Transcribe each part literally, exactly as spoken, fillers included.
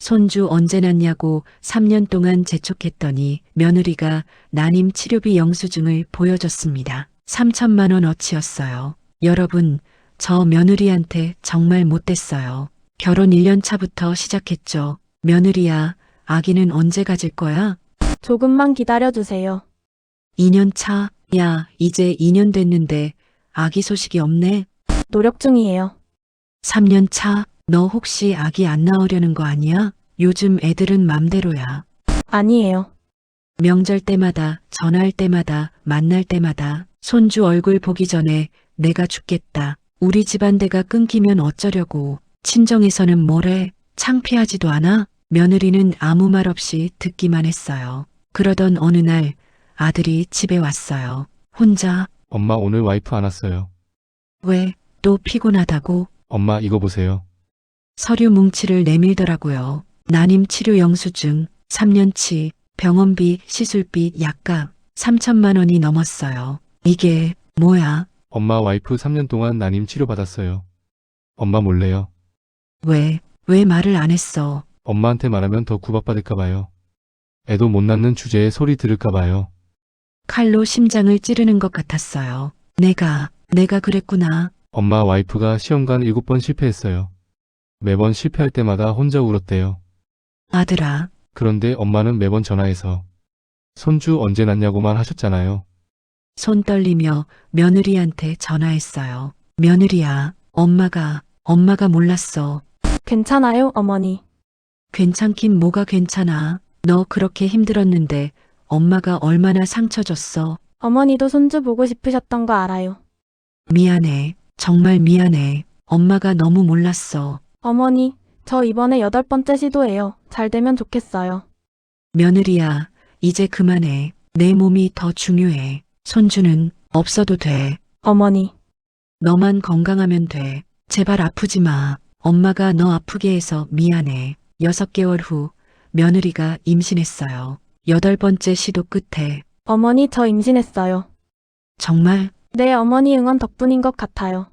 손주 언제 낳냐고 삼 년 동안 재촉했더니 며느리가 난임 치료비 영수증을 보여줬습니다. 삼천만 원어치였어요. 여러분, 저 며느리한테 정말 못됐어요. 결혼 일 년 차부터 시작했죠. 며느리야, 아기는 언제 가질 거야? 조금만 기다려주세요. 이 년 차? 야, 이제 이 년 됐는데 아기 소식이 없네. 노력 중이에요. 삼 년 차? 너 혹시 아기 안 낳으려는 거 아니야? 요즘 애들은 맘대로야. 아니에요. 명절 때마다, 전화할 때마다, 만날 때마다 손주 얼굴 보기 전에 내가 죽겠다. 우리 집안대가 끊기면 어쩌려고. 친정에서는 뭐래? 창피하지도 않아? 며느리는 아무 말 없이 듣기만 했어요. 그러던 어느 날 아들이 집에 왔어요. 혼자. 엄마 오늘 와이프 안 왔어요. 왜? 또 피곤하다고? 엄마 이거 보세요. 서류 뭉치를 내밀더라고요. 난임 치료 영수증, 삼 년치, 병원비, 시술비, 약값, 삼천만 원이 넘었어요. 이게 뭐야? 엄마 와이프 삼 년 동안 난임 치료 받았어요. 엄마 몰래요. 왜, 왜 말을 안 했어? 엄마한테 말하면 더 구박받을까 봐요. 애도 못 낳는 주제에 소리 들을까 봐요. 칼로 심장을 찌르는 것 같았어요. 내가, 내가 그랬구나. 엄마 와이프가 시험관 일곱 번 실패했어요. 매번 실패할 때마다 혼자 울었대요. 아들아, 그런데 엄마는 매번 전화해서 손주 언제 낳냐고만 하셨잖아요. 손 떨리며 며느리한테 전화했어요. 며느리야, 엄마가, 엄마가 몰랐어. 괜찮아요, 어머니. 괜찮긴 뭐가 괜찮아. 너 그렇게 힘들었는데 엄마가 얼마나 상처 줬어. 어머니도 손주 보고 싶으셨던 거 알아요. 미안해. 정말 미안해. 엄마가 너무 몰랐어. 어머니, 저 이번에 여덟 번째 시도예요. 잘 되면 좋겠어요. 며느리야, 이제 그만해. 내 몸이 더 중요해. 손주는 없어도 돼. 어머니, 너만 건강하면 돼. 제발 아프지 마. 엄마가 너 아프게 해서 미안해. 여섯 개월 후 며느리가 임신했어요. 여덟 번째 시도 끝에. 어머니 저 임신했어요. 정말? 네, 어머니 응원 덕분인 것 같아요.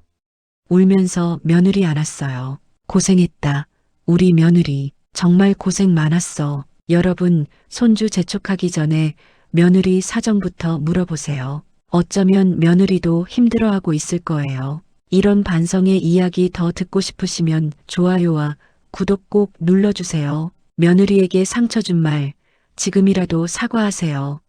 울면서 며느리 안았어요. 고생했다. 우리 며느리 정말 고생 많았어. 여러분, 손주 재촉하기 전에 며느리 사정부터 물어보세요. 어쩌면 며느리도 힘들어하고 있을 거예요. 이런 반성의 이야기 더 듣고 싶으시면 좋아요와 구독 꼭 눌러주세요. 며느리에게 상처 준 말 지금이라도 사과하세요.